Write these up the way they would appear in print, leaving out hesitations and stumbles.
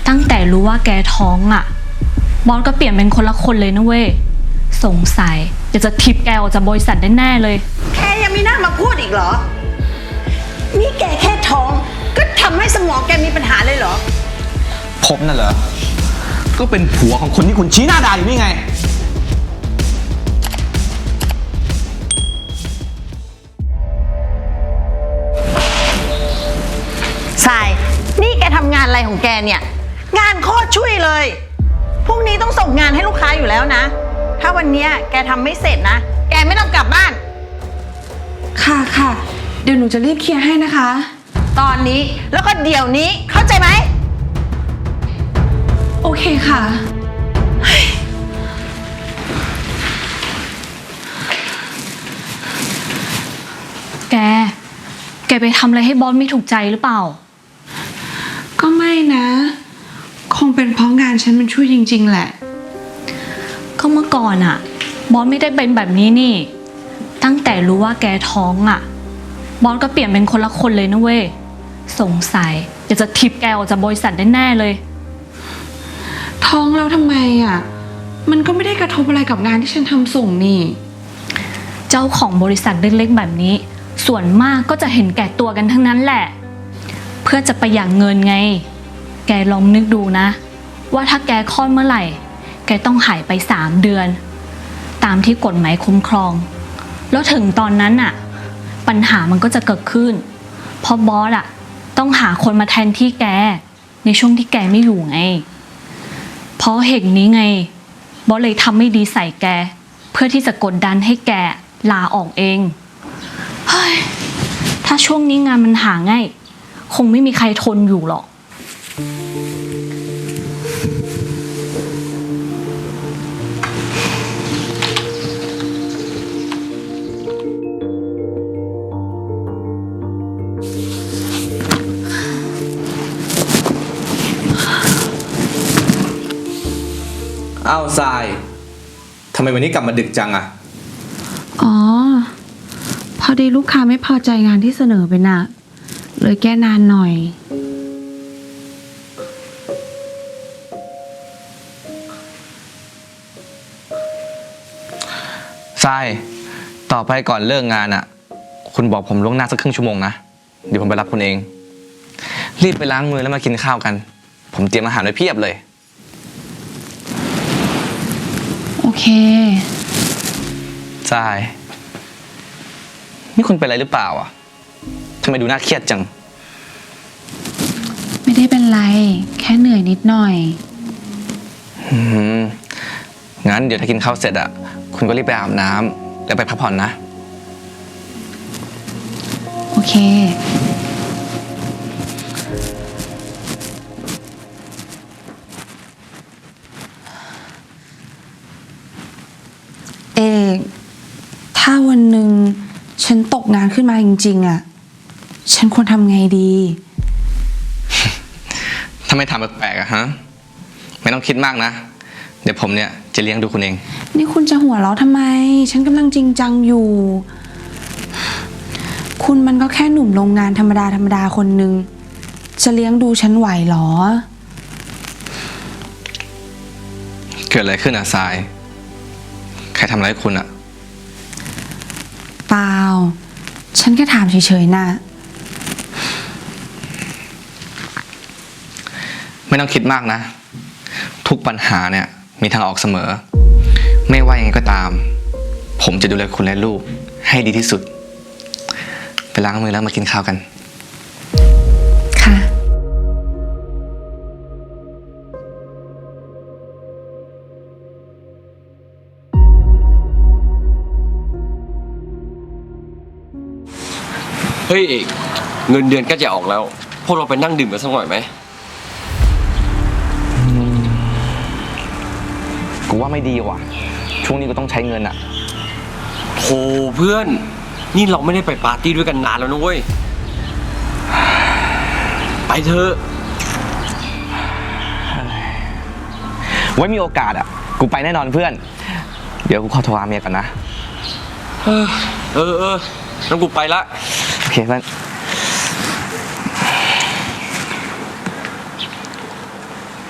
ตั้งแต่รู้ว่าแกท้องอ่ะบอสก็เปลี่ยนเป็นคนละคนเลยนะเว้ยสงสัยอยากจะทิปแกออกจากบริษัทแน่ๆเลยแกยังมีหน้ามาพูดอีกเหรอนี่แกแค่ท้องก็ทำให้สมองแกมีปัญหาเลยเหรอผมน่ะเหรอก็เป็นผัวของคนที่คุณชี้หน้าด่าอยู่นี่ไงทรายนี่แกทำงานอะไรของแกเนี่ยงานโคตรช่วยเลยพรุ่งนี้ต้องส่งงานให้ลูกค้าอยู่แล้วนะถ้าวันนี้แกทำไม่เสร็จนะแกไม่ต้องกลับบ้านค่ะค่ะเดี๋ยวหนูจะรีบเคลียร์ให้นะคะตอนนี้แล้วก็เดี๋ยวนี้เข้าใจไหมโอเคค่ะแกไปทำอะไรให้บอสไม่ถูกใจหรือเปล่าก็ไม่นะคงเป็นเพราะงานฉันมันช่วยจริงๆแหละก็เมื่อก่อนอะบอสไม่ได้เป็นแบบนี้นี่ตั้งแต่รู้ว่าแกท้องอะบอสก็เปลี่ยนเป็นคนละคนเลยนะเว้ยสงสัยอยากจะทิปแกออกจากบริษัทแน่ๆเลยท้องแล้วทำไมอะมันก็ไม่ได้กระทบอะไรกับงานที่ฉันทำส่งนี่เจ้าของบริษัทเล็กๆแบบนี้ส่วนมากก็จะเห็นแก่ตัวกันทั้งนั้นแหละเพื่อจะประหยัดเงินไงแกลองนึกดูนะว่าถ้าแกคลอดเมื่อไหร่แกต้องหายไป3 เดือนตามที่กฎหมายคุ้มครองแล้วถึงตอนนั้นอะปัญหามันก็จะเกิดขึ้นเพราะบอสอะต้องหาคนมาแทนที่แกในช่วงที่แกไม่อยู่ไงเพราะเหตุนี้ไงบอสเลยทำไม่ดีใส่แกเพื่อที่จะกดดันให้แกลาออกเองเฮ้ยถ้าช่วงนี้งานมันหาง่ายคงไม่มีใครทนอยู่หรอกอ้าวทรายทำไมวันนี้กลับมาดึกจังอะอ๋อพอดีลูกค้าไม่พอใจงานที่เสนอไปน่ะเลยแก้นานหน่อยทรายต่อไปก่อนเลิกงานอะคุณบอกผมล่วงหน้าสักครึ่งชั่วโมงนะเดี๋ยวผมไปรับคุณเองรีบไปล้างมือแล้วมากินข้าวกันผมเตรียมอาหารไว้เพียบเลยโอเคทรายนี่คุณเป็นอะไรหรือเปล่าอ่ะทำไมดูน่าเครียดจังไม่ได้เป็นไรแค่เหนื่อยนิดหน่อยงั้นเดี๋ยวถ้ากินข้าวเสร็จอ่ะคุณก็รีบไปอาบน้ำแล้วไปพักผ่อนนะโอเคถ้าวันหนึ่งฉันตกงานขึ้นมาจริงๆอ่ะฉันควรทำไงดีทำไมถามแปลกๆอะฮะไม่ต้องคิดมากนะเดี๋ยวผมเนี่ยจะเลี้ยงดูคุณเองนี่คุณจะหัวเราะทำไมฉันกำลังจริงจังอยู่คุณมันก็แค่หนุ่มโรงงานธรรมดาคนนึงจะเลี้ยงดูฉันไหวหรอเกิดอะไรขึ้นอะทรายใครทำอะไรคุณอะเปล่าฉันแค่ถามเฉยๆนะไม่ต้องคิดมากนะทุกปัญหาเนี่ยมีทางออกเสมอไม่ว่ายังไงก็ตามผมจะดูแลคุณและลูกให้ดีที่สุดไปล้างมือแล้วมากินข้าวกันค่ะเฮ้ยเอกเงินเดือนก็จะออกแล้วพวกเราไปนั่งดื่มกันสักหน่อยไหมกูว่าไม่ดีว่ะช่วงนี้กูต้องใช้เงินอะโธ่เพื่อนนี่เราไม่ได้ไปปาร์ตี้ด้วยกันนานแล้วนะเว้ยไปเถอะไว้มีโอกาสอะกูไปแน่นอนเพื่อนเดี๋ยวกูขอโทรหาเมียก่อนนะงั้นกูไปละโอเคเพื่อน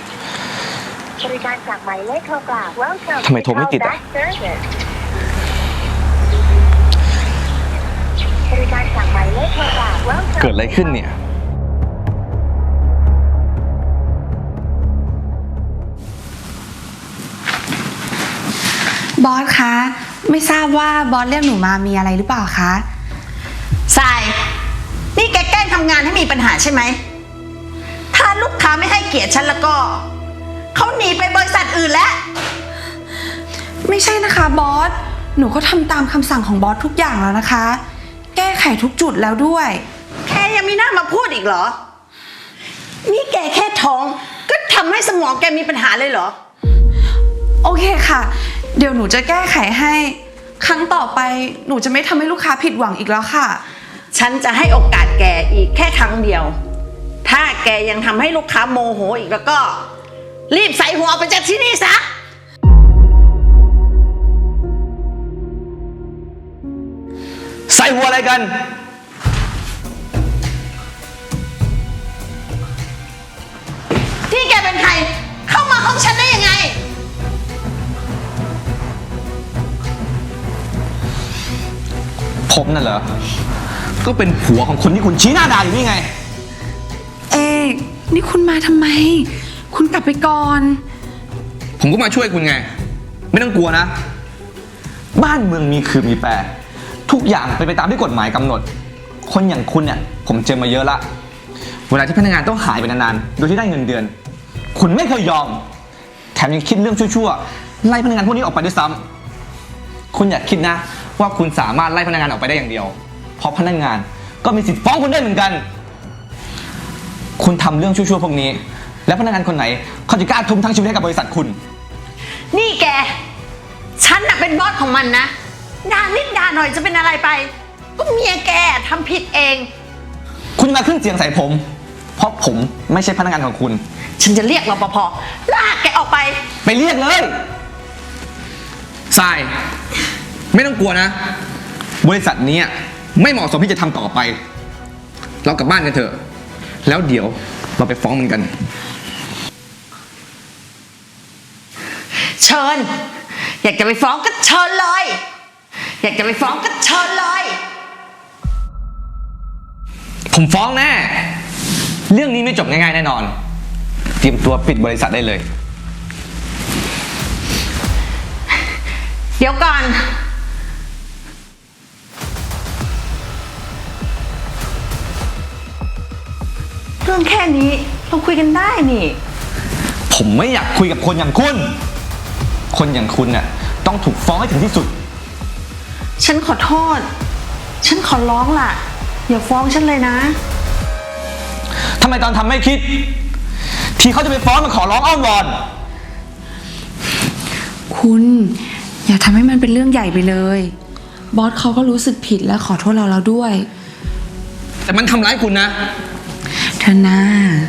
บริการจากหมายเลขโทรกลับ Welcome ทำไมโทรไม่ติดอ่ะบริการจากหมายเลขโทรกลับ Welcome เกิดอะไรขึ้นเนี่ยบอสคะ ไม่ทราบว่าบอสเรียกหนูมามีอะไรหรือเปล่าคะทราย นี่แกแกล้งทำงานให้มีปัญหาใช่ไหม ถ้าลูกค้าไม่ให้เกียรติฉันแล้วก็ เขาหนีไปบริษัทอื่นแล้วไม่ใช่นะคะบอส หนูก็ทำตามคำสั่งของบอสทุกอย่างแล้วนะคะ แก้ไขทุกจุดแล้วด้วยแค่ยังมีหน้ามาพูดอีกเหรอ นี่แกแค่ท้อง ก็ทำให้สมองแกมีปัญหาเลยเหรอโอเคค่ะ เดี๋ยวหนูจะแก้ไขให้ ครั้งต่อไปหนูจะไม่ทำให้ลูกค้าผิดหวังอีกแล้วค่ะฉันจะให้โอกาสแกอีกแค่ครั้งเดียว ถ้าแกยังทำให้ลูกค้าโมโหอีกแล้วก็ รีบใส่หัวออกไปจากที่นี่ซะใส่หัวอะไรกันที่แกเป็นใคร เข้ามาห้องฉันได้ยังไงผมน่ะเหรอ ก็เป็นผัวของคนที่คุณชี้หน้าด่าอยู่นี่ไงเอกนี่คุณมาทำไม คุณกลับไปก่อนผมก็มาช่วยคุณไง ไม่ต้องกลัวนะ บ้านเมืองมีคือมีแปร ทุกอย่างเป็นไปตามที่กฎหมายกำหนด คนอย่างคุณเนี่ยผมเจอมาเยอะละ เวลาที่พนักงานต้องหายไปนานๆ โดยที่ได้เงินเดือน คุณไม่เคยยอม แถมยังคิดเรื่องชั่วๆ ไล่พนักงานพวกนี้ออกไปด้วยซ้ำคุณอย่าคิดนะว่าคุณสามารถไล่พนักงานออกไปได้อย่างเดียว เพราะพนักงานก็มีสิทธิ์ฟ้องคุณได้เหมือนกัน คุณทำเรื่องชั่วๆพวกนี้ แล้วพนักงานคนไหนเขาจะกล้าทุ่มทั้งชีวิตให้กับบริษัทคุณนี่แก ฉันน่ะเป็นบอสของมันนะด่านิดด่าหน่อยจะเป็นอะไรไป ก็เมียแกทำผิดเองคุณจะมาขึ้นเสียงใส่ผม เพราะผมไม่ใช่พนักงานของคุณฉันจะเรียกรปภลากแกออกไปไปเรียกเลยทราย ไม่ต้องกลัวนะ บริษัทนี้ไม่เหมาะสมที่จะทำต่อไป เรากลับบ้านกันเถอะ แล้วเดี๋ยวเราไปฟ้องมันกันเชิญ อยากจะไปฟ้องก็เชิญเลย อยากจะไปฟ้องก็เชิญเลยผมฟ้องแน่ เรื่องนี้ไม่จบง่ายๆแน่นอน เตรียมตัวปิดบริษัทได้เลยเดี๋ยวก่อน เรื่องแค่นี้เราคุยกันได้นี่ผมไม่อยากคุยกับคนอย่างคุณ คนอย่างคุณน่ะต้องถูกฟ้องให้ถึงที่สุดฉันขอโทษ ฉันขอร้องล่ะ อย่าฟ้องฉันเลยนะทำไมตอนทำไม่คิด ทีเขาจะไปฟ้องมาขอร้องอ้อนวอนคุณอย่าทำให้มันเป็นเรื่องใหญ่ไปเลย บอสเขาก็รู้สึกผิดและขอโทษเราแล้วด้วยแต่มันทำร้ายคุณนะเธอหน้า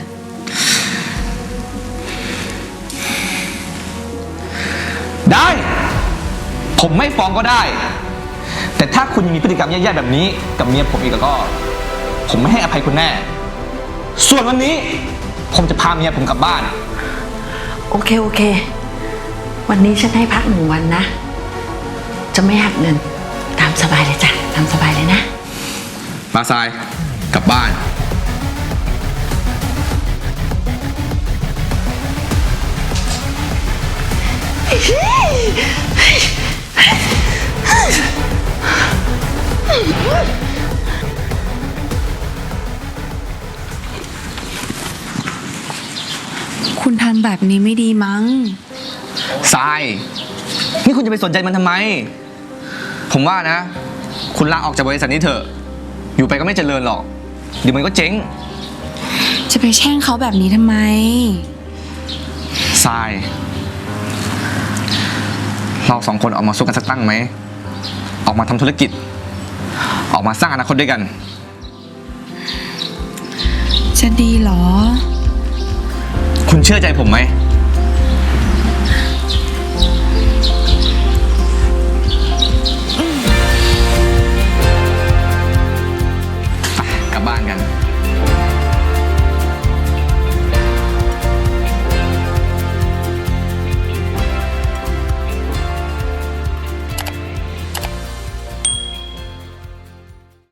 ได้ ผมไม่ฟ้องก็ได้ แต่ถ้าคุณยังมีพฤติกรรมแย่ๆแบบนี้กับเมียผมอีกแล้วก็ ผมไม่ให้อภัยคุณแน่ ส่วนวันนี้ ผมจะพาเมียผมกลับบ้านโอเค โอเค วันนี้ฉันให้พัก1 วันนะ จะไม่หักเงิน ตามสบายเลยจ้ะ ตามสบายเลยนะมาทราย กลับบ้านคุณทำแบบนี้ไม่ดีมั้งทราย นี่คุณจะไปสนใจมันทำไม ผมว่านะ คุณลาออกจากบริษัทนี้เถอะ อยู่ไปก็ไม่เจริญหรอก เดี๋ยวมันก็เจ๊งจะไปแช่งเขาแบบนี้ทำไมทราย เราสองคนออกมาสู้กันสักตั้งไหม ออกมาทำธุรกิจ ออกมาสร้างอนาคตด้วยกันจะดีเหรอคุณเชื่อใจผมไหม